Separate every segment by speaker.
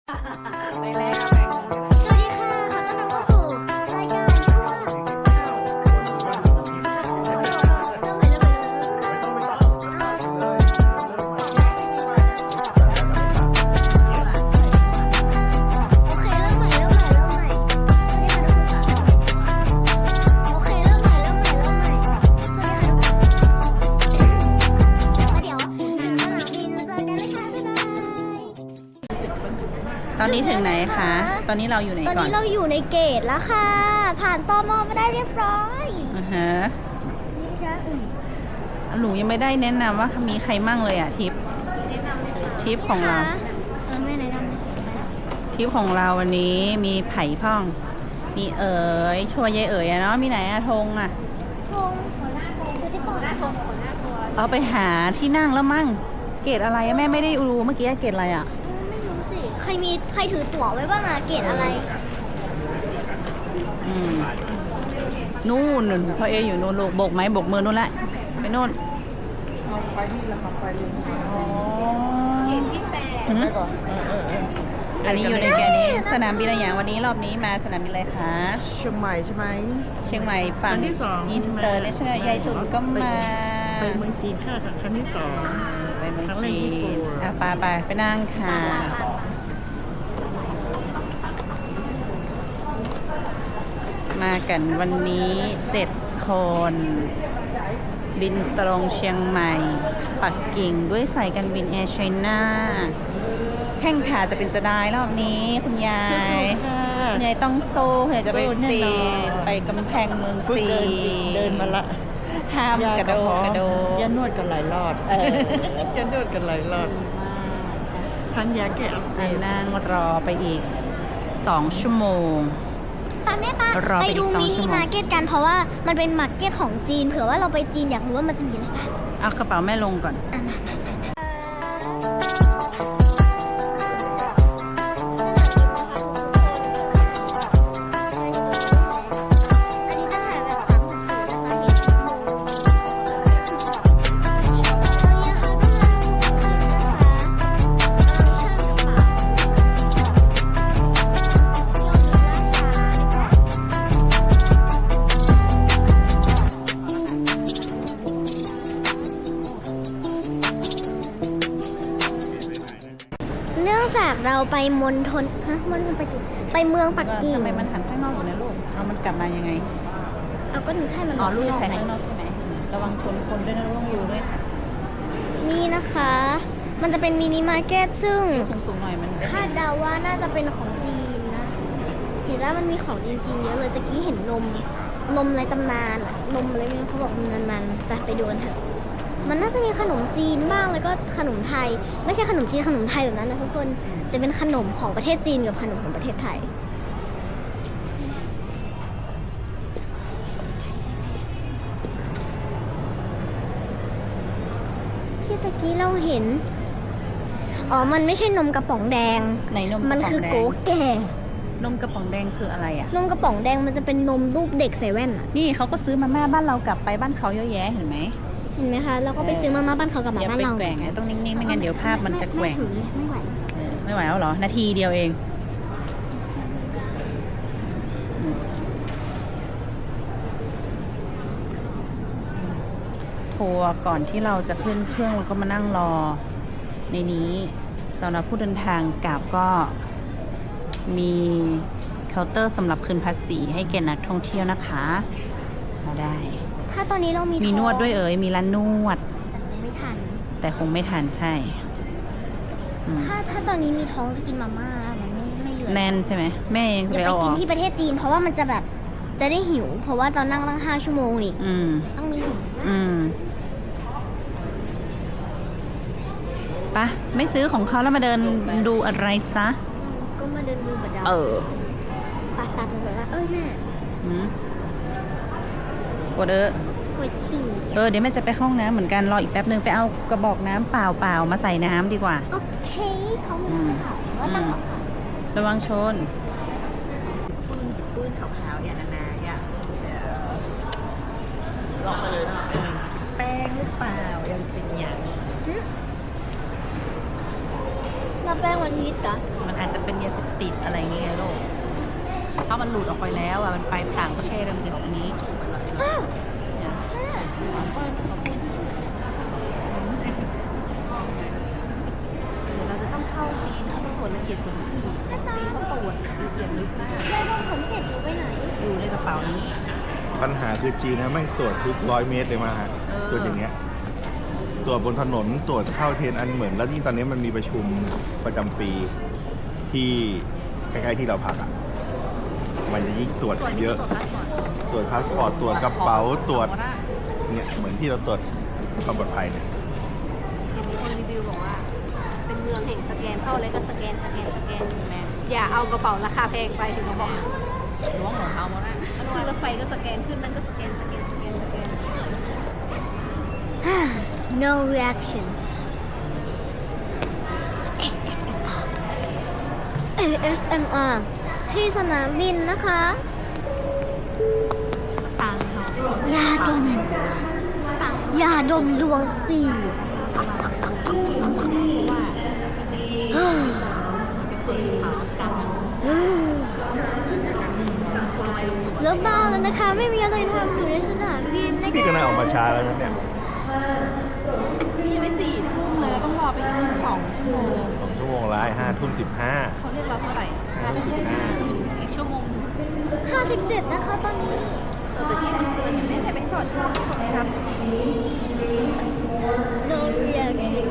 Speaker 1: ไปแล้ว
Speaker 2: สวัสดีค่ะขอต้อนรับเข้าสู่รายการโอเคเริ่มใหม่โอเคเริ่มใหม่สวัสดีค่ะทุกคนแล้วเดี๋ยวถึงสนามบินเจอกันนะคะบ๊ายบาย
Speaker 1: ตอนนี้ถึงไหนคะ ตอนนี้เราอยู่ไหน
Speaker 2: ตอน
Speaker 1: ก่อน
Speaker 2: นี้เราอยู่ในเกตแล้วค่ะ ผ่านตมมาได้เรียบร้อย
Speaker 1: อ่าฮะ
Speaker 2: นี่นะคะ
Speaker 1: หนูยังไม่ได้แนะนำว่ามีใครมั่งเลยอะทิปของเรา
Speaker 2: ไม่แนะนำเลย
Speaker 1: ทิปของเราวันนี้มีไผ่พ่อง มีชัวยายอะเนาะ มีไหนอะธงอะ
Speaker 2: ธงคือที่ปอดธง
Speaker 1: เอาไปหาที่นั่งแล้วมั่ง เกตอะไรอะแม่ไม่ได้ดูเมื่อกี้เกตอะไรอะ
Speaker 2: ไม่รู้สิ ใครถือตั๋วไว้บ้างอะเกตอะไร
Speaker 1: อืมนู่นพ่อเออยู่นู่นลูกโบกไม้โบกมือนู่นแหละไปนู่น
Speaker 3: ไปที่ละครับไปลง
Speaker 1: อ๋อ
Speaker 3: ไปก่อน
Speaker 1: อันนี้อยู่ในแกนี้สนามบินอะไรอย่างวันนี้รอบนี้มาสนามบินอะไรคะ
Speaker 3: เชียงใหม่ใช่ไหม
Speaker 1: เชียงใหม่ฝั่ง
Speaker 3: ครั้งที่สอง
Speaker 1: อินเตอร์เนชั่นแนลยายตุ่นก็มา
Speaker 3: ไปเมืองจีนค่ะครั้งที่สอง
Speaker 1: ไปเมือง
Speaker 3: ครั้งแรก
Speaker 1: จี
Speaker 3: ญี่ปุ่
Speaker 1: น
Speaker 3: น
Speaker 1: อ่ะไปนั่งค่ะ มากันวันนี้7 คน บินตรงเชียงใหม่ ปักกิ่งด้วยสายการบินแอร์ไชน่าแข่งขาจะเป็นจะได้รอบนี้คุณยาย
Speaker 3: ค่ะ
Speaker 1: คุณยายต้องสู้เพื่อจะไป
Speaker 3: สู้แน่
Speaker 1: จี
Speaker 3: นอน
Speaker 1: นไปกำแพงเมือง
Speaker 3: เพิ่ง
Speaker 1: จี
Speaker 3: เดินมาละ
Speaker 1: ห้ามกระโดดกระโดด
Speaker 3: ยานวดกันหลายรอบ
Speaker 1: เออ
Speaker 3: ยานวดกันหลายรอบทันยาแก้อักเสบ
Speaker 1: นั่งรอไปอีก2 ชั่วโมง
Speaker 2: ปาแม่ปาร
Speaker 1: อไป
Speaker 2: ไป
Speaker 1: อีก
Speaker 2: ดู
Speaker 1: 2
Speaker 2: มิ
Speaker 1: ชั่
Speaker 2: นิ
Speaker 1: วโมง
Speaker 2: มาร์เก็ตกันเพราะว่ามันเป็นมาร์เก็ตของจีน เผื่อว่าเราไปจีนอยากรู้ว่ามันจะมีอะไรบ้าง
Speaker 1: เอากระเป๋าแม่ลงก่อน
Speaker 2: อ่ะมาอันนี้จะถ่ายแบบ360นะคะเห็นทุกมุมตอนนี้นะคะกำลังนะคะกำลังเชื่อมกระเป๋าเที่ยวล่าช้านะคะ เนื่องจากเราไปมณฑลมณฑลปักกิ่งไปเมืองปักกิ่ง
Speaker 1: ทำไมมันหันข้างนอกอยู่นะลูกเอามันกลับมายังไง
Speaker 2: เอาก็หนูถ่ายมัน
Speaker 1: อ๋อลูก
Speaker 2: อ
Speaker 1: จะ
Speaker 2: อก
Speaker 1: ถ่าย
Speaker 2: ไหม
Speaker 1: ข้างนอกใช่ไหมระวังชนคนด้วยนะระวังอยู่ด้วยค่ะ
Speaker 2: นี่นะคะ มันจะเป็นมินิมาร์เก็ตซึ่ง
Speaker 1: สูงๆหน่อยมันจะ
Speaker 2: คาดเดาว่าน่าจะเป็นของจีนนะ เห็นว่ามันมีของจีนๆเยอะเลยตะกี้เห็นนมในตำนานอะนมอะไรไม่รู้เขาบอกมันไปดูกันเถอะ มันน่าจะมีขนมจีนบ้างแล้วก็ขนมไทย ไม่ใช่ขนมจีนขนมไทยแบบนั้นนะทุกคน แต่เป็นขนมของประเทศจีนกับขนมของประเทศไทย ที่ตะกี้เราเห็น อ๋อ มันไม่ใช่นมกระป๋องแดง
Speaker 1: ไหนนมก
Speaker 2: มั
Speaker 1: ระ
Speaker 2: น
Speaker 1: ป๋อง
Speaker 2: คือ
Speaker 1: แด
Speaker 2: โก
Speaker 1: ง
Speaker 2: แก่
Speaker 1: นมกระป๋องแดงคืออะไรอ่ะ
Speaker 2: นมกระป๋องแดงมันจะเป็นนมรูปเด็กใส่แว่นอะ
Speaker 1: นี่เขาก็ซื้อมาม่าบ้านเรากลับไปบ้านเขาเยอะแยะเห็นไหม
Speaker 2: เห็นไหมคะ เราก็ไปซื้อมาม่าบ้านเขากับหมา
Speaker 1: อย่า
Speaker 2: บ้าน
Speaker 1: ไป
Speaker 2: เรา
Speaker 1: แกว่งไงต้องนิ่งๆไม่งั้นเดี๋ยวภาพมันจะแกว่ง
Speaker 2: ไม่ไหว
Speaker 1: ไม่ไหวแล้วเหรอ นาทีเดียวเองทัวร์ก่อนที่เราจะขึ้นเครื่องเราก็มานั่งรอ ในนี้สำหรับผู้เดินทางกลับก็มีเคาน์เตอร์สำหรับคืนภาษีให้แก่นักท่องเที่ยวนะคะมาได้
Speaker 2: ถ้าตอนนี้เรามี
Speaker 1: มีนวดด้วยมีร้านนวด
Speaker 2: แต่ไม่ทัน
Speaker 1: แต่คงไม่ทันใช่อืม
Speaker 2: ถ้าตอนนี้มีท้องจะกินมาม่ามันไม่เหลือ
Speaker 1: แน่นใช่ไหมแม่ยัง
Speaker 2: อ
Speaker 1: จะ
Speaker 2: ย่า
Speaker 1: ไป
Speaker 2: ไป
Speaker 1: เอาอ
Speaker 2: กิน
Speaker 1: อก
Speaker 2: ที่ประเทศจีน เพราะว่ามันจะแบบจะได้หิว เพราะว่าตอนนั่งตั้ง5 ชั่วโมงนี่
Speaker 1: อืม
Speaker 2: ต้องมีหิว
Speaker 1: อืมปะไม่ซื้อของเขาแล้วมาเดินดูอะไรจ๊ะ
Speaker 2: ก็มาเดินดูกับเรา
Speaker 1: เออ
Speaker 2: ปาตัดเลยว่าแม่
Speaker 1: หืมกด
Speaker 2: ปวดฉี่
Speaker 1: เดี๋ยวแม่จะไปห้องน้ำเหมือนกันรออีกแป๊บนึงไปเอากระบอกน้ำเปล่าๆมาใส่น้ำดีกว่า
Speaker 2: โอเคเขามีข่าวว่าต้องขอ
Speaker 1: ระวังชน
Speaker 3: ปืนขาวๆเนี่ยนาๆเนี่ยหลอกไปเลยนะจะเป็นแป้งหรือเปล่ายังจะเป็นอย่าง
Speaker 2: หึน้ำแป้งมันนิดเหรอ
Speaker 1: มันอาจจะเป็นยาเสพติดอะไรอย่างเงี้ยลูกถ้ามันหลุดออกไปแล้วอ่ะมันไปต่างประเทศมันจะออกนี้
Speaker 2: อ้าว
Speaker 1: เนี่ย เดี๋ยวเราจะต้องเข้าจีนเขาต้องตรวจละเอียดกว่านี้อีกจีนเขาตรวจละเอียดลึกมาก
Speaker 2: แล้วต้องขนเสร็จหนูไปไหน
Speaker 1: อยู่ในกระเป๋านี้
Speaker 4: ปัญหาคือจีนนะแม่งตรวจทุก100 เมตรเลยมาฮะ
Speaker 1: เออ
Speaker 4: ตรวจอย่างเงี้ยตรวจบนถนนตรวจเข้าเทรนอันเหมือน แล้วยิ่งตอนนี้มันมีประชุมประจำปีที่ใกล้ๆที่เราพักอ่ะมันจะยิ่งตรวจเยอะ ตรวจพาสปอร์ตตรวจกระเป๋าตรวจเนี่ยเหมือนที่เราตรวจความปลอดภัยเนี่ย
Speaker 5: เห็นมีคนรีวิวบอกว่า เป็นเมืองแห่งสแกนเข้าอะไรก็สแกน
Speaker 1: แม่
Speaker 5: อย่าเอากระเป๋าราคาแพงไปถึงมาบอก
Speaker 1: ล้วงหัวเท้ามาได้
Speaker 5: ขึ้นรถไฟก็สแกนขึ้นนั่นก็สแกน
Speaker 2: no reaction ASMR ที่สนามบินนะคะ
Speaker 1: ตังค์เขา
Speaker 2: ยาดม ยาดมลวงสี
Speaker 1: ว่าเป็นคนเผากัน
Speaker 2: เลิกบ้าแล้วนะคะ ไม่มีอะไรทำอยู่ในสนามบินนะคะ
Speaker 4: พี่ก็น่าออกมาช้าแล้วนะเนี่ย
Speaker 1: นี่ยังไม่4 ทุ่มเลยต้องรอไปตั้ง2 ชั่วโมง
Speaker 4: 2 ชั่วโมงละ5:15
Speaker 1: เขาเรียกเราเท่าไหร่5:15อีกชั่วโมงหนึง
Speaker 2: 57นะคะตอนนี้
Speaker 1: แต่ที่มันเตือนอย่างนี้ให้ไปสอดช่องสอดซับ
Speaker 2: no reaction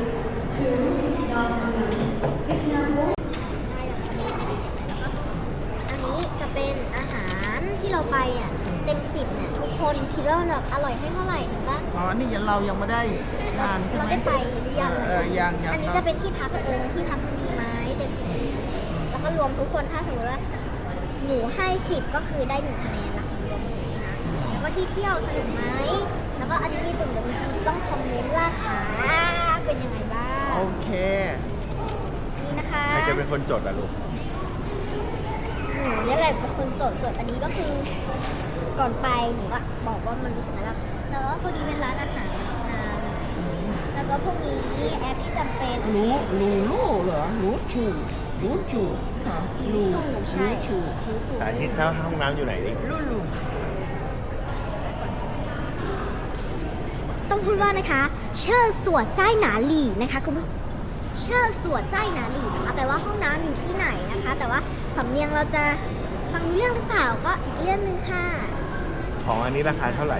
Speaker 2: อันนี้จะเป็นอาหารที่เราไปอ่ะ เต็ม10เนี่ยทุกคนคิดว่าแบบอร่อยให้เท่าไหร่เห็นปะ
Speaker 3: อ๋อ นี่ยังเรายังไม่ได้งานใช่
Speaker 2: เรา
Speaker 3: ไหม
Speaker 2: ได้ไปหรือยัง
Speaker 3: ยัง
Speaker 2: อันนี้จะเป็นที่พักที่พักมันดีไหมเต็ม10แล้วก็รวมทุกคนถ้าสมมติว่าหนูให้10ก็คือได้1 คะแนนละรวมนี้นะแล้วก็ที่เที่ยวสนุกไหมแล้วก็อันนี้ตุ่มเดี๋ยวจริงๆต้องคอมเมนต์ว่าขาเป็นยังไงบ้าง
Speaker 3: โอเค
Speaker 2: อันนี้นะคะ
Speaker 4: ใครจะเป็นคนจดอ่ะลูก
Speaker 2: หนูเรียกอะไรเป็นคนจดอันนี้ก็คือก่อนไปหนูก็บอกว่ามันรู้สึกอะไรบ้างแล้วก็พอดีเป็นร้านอาหารแล้วก็พวกนี้แอปที่จำเป็น
Speaker 3: รู้เหรอ รู้จูเหรอรู้
Speaker 2: จู่ใช่
Speaker 3: จู
Speaker 4: สาธิตถ้าห้องน้ำอยู่ไหนดิ
Speaker 3: รู้
Speaker 2: ต้องพูดว่านะคะ เชิญสวดใจายหนาหลี่นะคะคุณผู้เชิญสวดใจายหนาหลี่นะคะแปลว่าห้องน้ำอยู่ที่ไหนนะคะ แต่ว่าสำเนียงเราจะฟังรู้เรื่องหรือเปล่าก็อีกเรื่องหนึงค่ะ
Speaker 4: ของอันนี้ราคาเท่าไหร่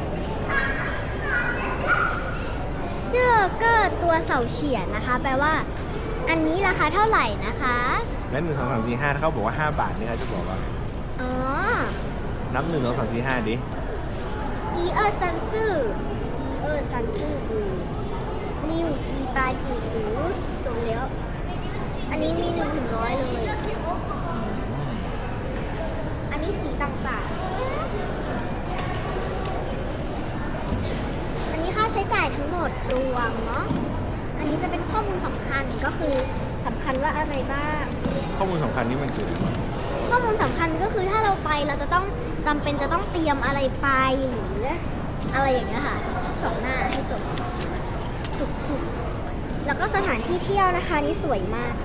Speaker 2: เจอก็ตัวเสาเฉียนนะคะ แปลว่า อันนี้ราคาเท่าไหร่นะคะ
Speaker 4: แล้ว1 2 3 4 5ถ้าเขาบอกว่า5 บาทนี่เขาจะบอกว่า
Speaker 2: อ๋อ
Speaker 4: นับ1 2 3 4 5ดิ
Speaker 2: อีเออร์ซันซื่ออูนิวจีปาจิสูจบแล้ว อันนี้มี1 ถึง 100เลย อันนี้สีต่างๆ อันนี้ค่าใช้จ่ายทั้งหมดรวมเนาะ อันนี้จะเป็นข้อมูลสำคัญก็คือสำคัญว่าอะไรบ้าง
Speaker 4: ข้อมูลสำคัญนี่มันคืออะไรวะ
Speaker 2: ข้อมูลสำคัญก็คือถ้าเราไปเราจะต้องจำเป็นจะต้องเตรียมอะไรไปหรืออะไรอย่างเงี้ยค่ะ2 หน้าให้จบจุกแล้วก็สถานที่เที่ยวนะคะนี่สวยมาก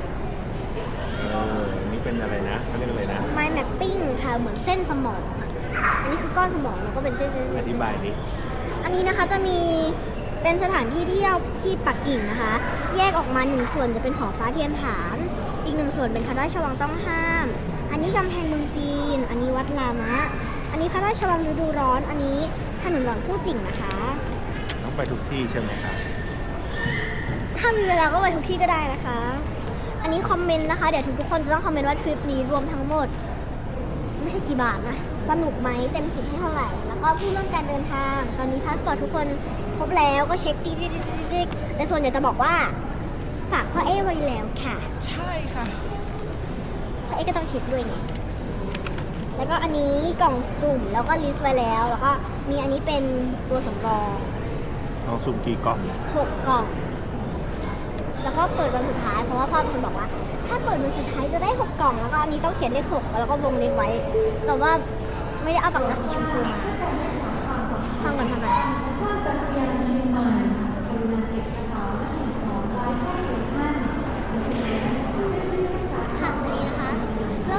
Speaker 4: นี่เป็นอะไรนะเขาเรียกอะไรนะ
Speaker 2: mind mapping ค่ะเหมือนเส้นสมองอะอันนี้คือก้อนสมองแล้วก็เป็นเส้น
Speaker 4: อธิบายดิ
Speaker 2: อันนี้นะคะจะมีเป็นสถานที่เที่ยวที่ปักกิ่งนะคะ แยกออกมา1 ส่วนจะเป็นหอฟ้าเทียนฐาน อีก1 ส่วนเป็นพระราชวังต้องห้าม อันนี้กำแพงเมืองจีน อันนี้วัดรามะ อันนี้พระราชวังฤดูร้อน อันนี้ถนนหลวงพู่จิ่งนะคะ
Speaker 4: ต้องไปทุกที่ใช่ไหมครับ
Speaker 2: ถ้ามีเวลาก็ไปทุกที่ก็ได้นะคะ อันนี้คอมเมนต์นะคะ เดี๋ยวทุกคนจะต้องคอมเมนต์ว่าทริปนี้รวมทั้งหมด ไม่ใช่กี่บาทนะ สนุกไหมเต็ม10ให้เท่าไหร่ แล้วก็พูดเรื่องการเดินทาง ตอนนี้พาสปอร์ตทุกคนครบแล้วก็เช็คติ๊กแต่ส่วนใหญ่จะบอกว่าฝากพ่อเอไว้แล้วค่ะ
Speaker 3: ใช่ค่ะ
Speaker 2: พ่อเอก็ต้องเช็คด้วยไง แล้วก็อันนี้กล่องสุ่มแล้วก็ลิสต์ไว้แล้ว แล้วก็มีอันนี้เป็นตัวสำรอง
Speaker 4: น้องซุ่มกี่กล่อง
Speaker 2: 6 กล่อง แล้วก็เปิดวันสุดท้าย เพราะว่าพ่อเป็นคนบอกว่า ถ้าเปิดวันสุดท้ายจะได้ 6 กล่อง แล้วก็อันนี้ต้องเขียนเลข6แล้วก็วงเล็บไว้ แต่ว่าไม่ได้เอาปากกาสีชมพูมาฟังก่อน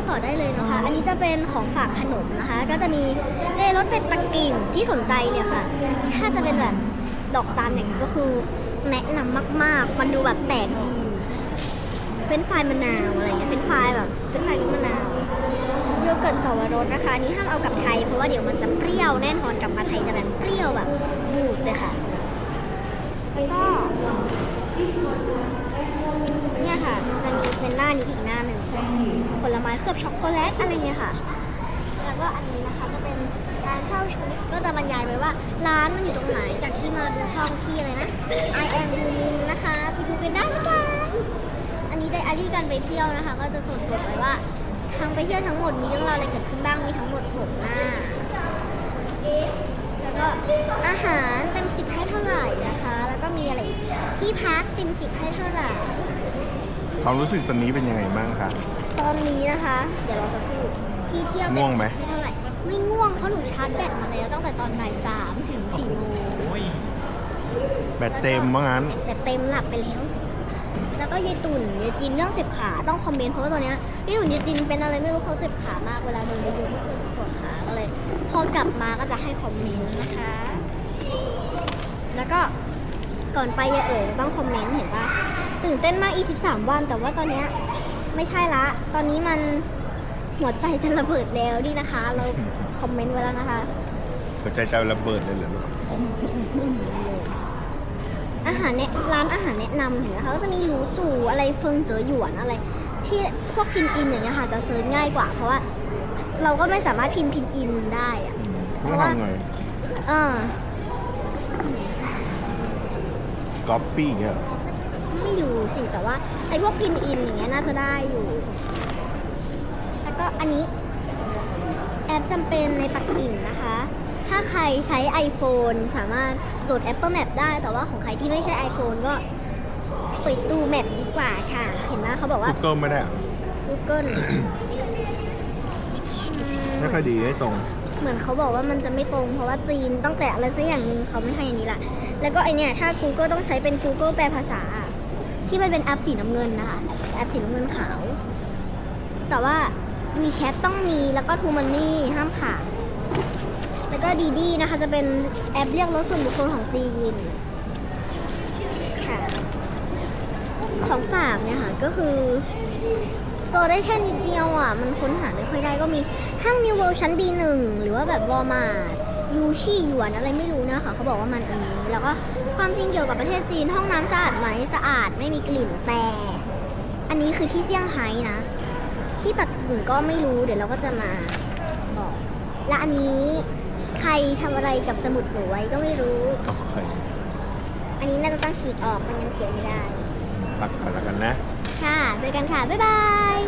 Speaker 2: ต่อได้เลยนะคะ อันนี้จะเป็นของฝากขนมนะคะ ก็จะมีรสเป็ดปักกิ่งที่สนใจเลยค่ะ ถ้าจะเป็นแบบดอกจันอย่างนี้ก็คือแนะนำมากๆ มันดูแบบแปลกดีเฟรนช์ฟรายมะนาวอะไรเงี้ยเฟรนช์ฟรายแบบเฟรนช์ฟรายรสมะนาวโยเกิร์ตสวรสนะคะอันนี้ห้ามเอากลับไทยเพราะว่าเดี๋ยวมันจะเปรี้ยวแน่นอนกลับมาไทยจะแบบเปรี้ยวแบบบูดเลยค่ะแล้วก็เนี่ยค่ะจะมีเป็นหน้านี้อีกหน้าหนึ่งผลไม้เคลือบช็อกโกแลตอะไรเงี้ยค่ะแล้วก็อันนี้นะคะจะเป็นร้านเช่าชุดก็จะบรรยายไว้ว่าร้านมันอยู่ตรงไหนจากที่มาดูช่องที่อะไรนะ I am Yumin นะคะไปดูกันได้นะคะอันนี้ไดอารี่การไปเที่ยวนะคะ ก็จะจดไว้ว่าทางไปเที่ยวทั้งหมดมีเรื่องราวอะไรเกิดขึ้นบ้างมีทั้งหมด6 หน้าแล้วก็อาหารเต็ม10ให้เท่าไหร่นะคะแล้วก็มีอะไรอีกที่พักเต็ม10ให้เท่าไหร่
Speaker 4: ความรู้สึกตอนนี้เป็นยังไงบ้างคะ
Speaker 2: ตอนนี้นะคะ เดี๋ยวเราจะพูดที่เที่ยวเต็
Speaker 4: ง่วง
Speaker 2: ม
Speaker 4: ไหม
Speaker 2: 10ให้เท่าไหร่ไม่ง่วงเพราะหนูชาร์จแบตมาแล้วตั้งแต่ตอนบ่าย3 ถึง 4 โมง
Speaker 4: แบตเต็มว่างั้น
Speaker 2: แต่เต็มหลับไปแล้ว แล้วก็ยายตุ่นยายจินเรื่องเจ็บขาต้องคอมเมนต์เพราะว่าตอนเนี้ยยายตุ่นยายจินเป็นอะไรไม่รู้เขาเจ็บขามากเวลาเดินไปดูที่ปวดขาก็เลย พอกลับมาก็จะให้คอมเมนต์นะคะ แล้วก็ก่อนไปยายเอ๋ยต้องคอมเมนต์เห็นป่ะตื่นเต้นมากอีก13 วัน แต่ว่าตอนเนี้ยไม่ใช่ละ ตอนนี้มันหัวใจจะระเบิดแล้วนี่นะคะ เราคอมเมนต์ไว้แล้วนะคะ
Speaker 4: หัวใจจะระเบิดเลยเหรอลูก
Speaker 2: อาหารร้านอาหารแนะนำเห็นไหมคะก็จะมีหรูจูอะไรเฟิงเจ๋อหยวนอะไร ที่พวกพินอินอย่างเงี้ยค่ะจะเซิร์ชง่ายกว่า เพราะว่าเราก็ไม่สามารถพิมพ์พินอินได้อะ
Speaker 4: ไม่ทำไง
Speaker 2: เออ
Speaker 4: ก๊อปปี้เงี้ยเหรอ
Speaker 2: ไม่รู้สิแต่ว่าไอ้พวกพินอินอย่างเงี้ยน่าจะได้อยู่ แล้วก็อันนี้แอปจำเป็นในปักกิ่งนะคะ ถ้าใครใช้ iPhone สามารถโหลด Apple Map ได้ แต่ว่าของใครที่ไม่ใช้ iPhone ก็เปิดตู้ Map ดีกว่าค่ะ เห็นไหมเขาบอกว่า
Speaker 4: Google ไม่ได้เหรอ
Speaker 2: Google
Speaker 4: ไม่ค่อยดีให้ตรง
Speaker 2: เหมือนเขาบอกว่ามันจะไม่ตรงเพราะว่าจีนต้องแต่อะไรสักอย่างนึงเขาไม่ให้อย่างนี้ละแล้วก็ไอเนี่ยถ้า Google ต้องใช้เป็น Google แปลภาษา ที่มันเป็นแอปสีน้ำเงินนะคะแอปสีน้ำเงินขาว แต่ว่า WeChat ต้องมีแล้วก็ True Money ห้ามขาดแล้วก็ดีดีนะคะจะเป็นแอปเรียกรถส่วนบุคคลของจีนค่ะของฝากเนี่ยค่ะก็คือเจอได้แค่นิดเดียวอ่ะมันค้นหาไม่ค่อยได้ก็มีห้าง New World ชั้น B1 หรือว่าแบบวอลมาร์ทยูชี่หยวนอะไรไม่รู้นะคะเขาบอกว่ามันอันนี้แล้วก็ความจริงเกี่ยวกับประเทศจีนห้องน้ำสะอาดไหมสะอาดไม่มีกลิ่นแต่อันนี้คือที่เซี่ยงไฮ้นะที่ปักกิ่งก็ไม่รู้เดี๋ยวเราก็จะมาบอกและอันนี้ใครทำอะไรกับสมุดหนูไว้ก็ไม่รู้
Speaker 4: โอเค
Speaker 2: อันนี้น่าจะต้องขีดออกไม่งั้นเขียนไม่ได้
Speaker 4: พักก่อนแล้วกันนะ
Speaker 2: ค่ะเจอกันค่ะบ๊ายบาย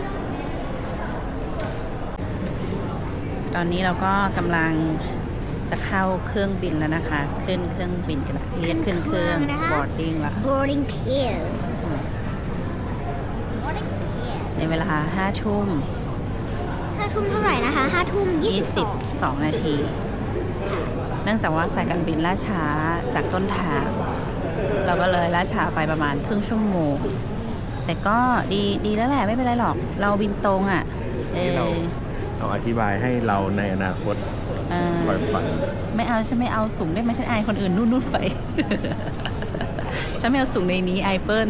Speaker 1: ตอนนี้เราก็กำลังจะเข้าเครื่องบินแล้วนะคะ ขึ้นเครื่องบินกันละเรียกขึ้นเครื่อง boarding ละ
Speaker 2: boarding pass boarding pass
Speaker 1: ในเวลา5 ทุ่ม
Speaker 2: 5 ทุ่มเท่าไหร่นะคะ5 ทุ่ม 22
Speaker 1: 22 นาที เนื่องจากว่าสายการบินล่าช้าจากต้นทาง เราก็เลยล่าช้าไปประมาณครึ่งชั่วโมง แต่ก็ดีแล้วแหละไม่เป็นไรหรอก เราบินตรงอ่ะ
Speaker 4: เราอธิบายให้เราในอนาคตปล่อยฝัน
Speaker 1: ไม่เอาฉันไม่เอาสูงได้ไหมฉันอายคนอื่นนู่นไป ฉันไม่เอาสูงในนี้ไอเปิล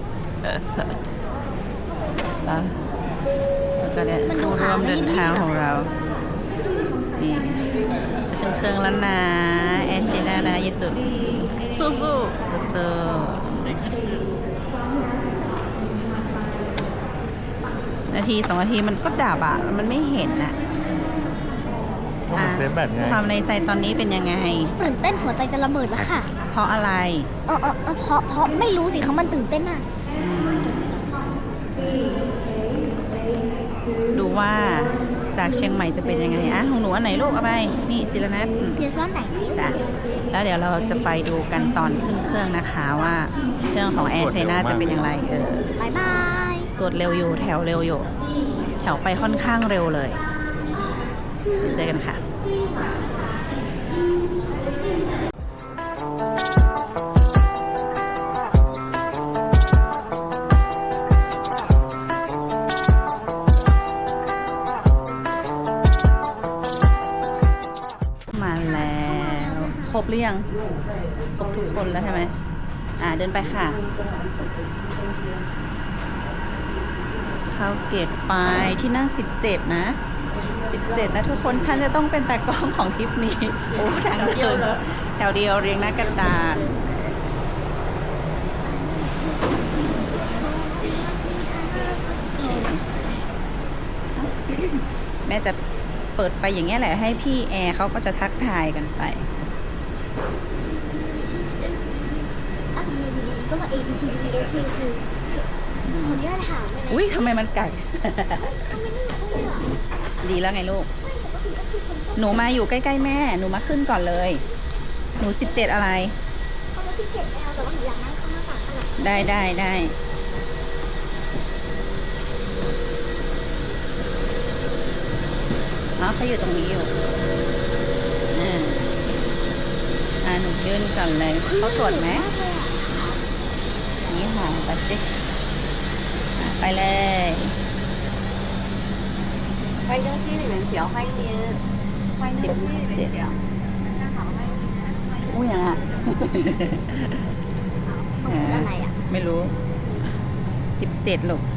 Speaker 1: แล้วก็เนี่ย
Speaker 2: มันดู
Speaker 1: ผู้
Speaker 2: ขาว
Speaker 1: ร่วมเดินทางของเรา นี่ จะเป็นเครื่องแล้วนะแอร์เชน่านะญี่ปุ่น
Speaker 3: สู้
Speaker 1: โซนาที2 นาทีมันก็ดับอ่ะ มันไม่เห็นอ่ะ
Speaker 4: เพราะมันเซฟแบตไง
Speaker 1: ความในใจตอนนี้เป็นยังไง
Speaker 2: ตื่นเต้นหัวใจจะระเบิดแล้วค่ะ
Speaker 1: เพราะอะไร
Speaker 2: เพราะไม่รู้สิเขามันตื่นเต้นอ่ะ
Speaker 1: ดูว่าจากเชียงใหม่จะเป็นยังไงอ่ะของหนูอันไหนลูกเอาไป นี่ศิลนัท
Speaker 2: เดี๋ยวซ้อนไหน
Speaker 1: จ้ะแล้วเดี๋ยวเราจะไปดูกันตอนขึ้นเครื่องนะคะว่าเครื่องของแอร์ไชน่าจะเป็นอย่างไร
Speaker 2: บายบาย
Speaker 1: ตรวจเร็วอยู่แถวเร็วอยู่ แถวไปค่อนข้างเร็วเลย เจอกันค่ะหรือยังครบทุกคนแล้วใช่ไหมเดินไปค่ะ เข้าเกตไปที่นั่ง 17 นะ 17 นะทุกคน ฉันจะต้องเป็นตากล้องของทริปนี้ โอ้ทางเดินแถวเดียวเรียงหน้ากระดาน แม่จะเปิดไปอย่างเงี้ยแหละให้พี่แอร์เขาก็จะทักทายกันไป
Speaker 2: อ่ะก็มา A B C D E F G คือขออนุญาตถามได้ไหม
Speaker 1: อุ้ยทำไมมันไก่
Speaker 2: ทำไมไม่รู้เลยอ่ะ
Speaker 1: ดีแล้วไงลูก หนูมาอยู่ใกล้ๆแม่ หนูมาขึ้นก่อนเลย หนู 17 อะไร
Speaker 2: เขามา17ไม่เอาแต่ว่าหนูอยากนั่งข้างหน้าต่างขนาด
Speaker 1: ได้เขาอยู่ตรงนี้อยู่หนูยื่นก่อนเลยเขาตรวจไหมนี่ค่ะปัจเจกไปเลย
Speaker 5: 欢迎登机，你们需要欢迎您。欢迎登机，你们需要。大家好，欢迎您。
Speaker 1: อู้ยังอ่ะ
Speaker 2: อะไรอ่ะ
Speaker 1: ไม่รู้ 17 ลูก